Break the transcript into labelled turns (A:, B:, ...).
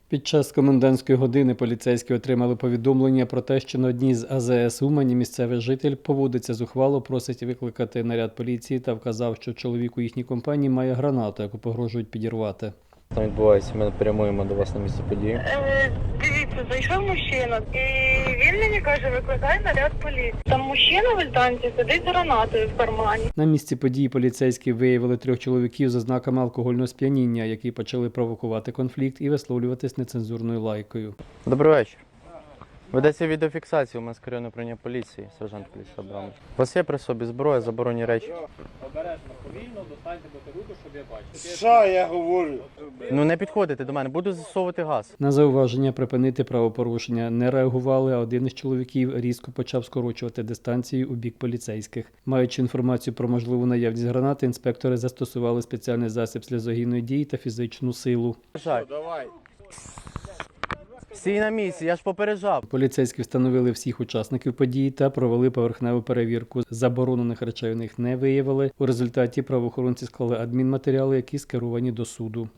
A: Під час комендантської години поліцейські отримали повідомлення про те, що на одній з АЗС Умані місцевий житель поводиться зухвало, просить викликати наряд поліції та вказав, що чоловік у їхній компанії має гранату, яку погрожують підірвати.
B: Там відбувається, ми прямуємо до вас на місце події.
C: Дивіться, зайшов мужчина, і він мені каже, викликай наряд поліції. Там мужчина в альтанці сидить з гранатою в кармані.
A: На місці події поліцейські виявили 3 чоловіків з ознаками алкогольного сп'яніння, які почали провокувати конфлікт і висловлюватись нецензурною лайкою.
B: Добрий вечір. Ведеться відеофіксація у нас керівне управління поліції, сержант поліції Абрамович. У вас є при собі зброя, заборонені речі?
D: Обережно, повільно, достаньте бутилку, щоб я бачив.
E: Що я говорю?
B: Ну не підходите до мене, буду засовувати газ.
A: На зауваження припинити правопорушення не реагували, а один із чоловіків різко почав скорочувати дистанцію у бік поліцейських. Маючи інформацію про можливу наявність гранати, інспектори застосували спеціальний засіб сльозогінної дії та фізичну силу.
E: Давай.
B: Стій на місці, я ж попереджав.
A: Поліцейські встановили всіх учасників події та провели поверхневу перевірку. Заборонених речей у них не виявили. У результаті правоохоронці склали адмінматеріали, які скеровані до суду.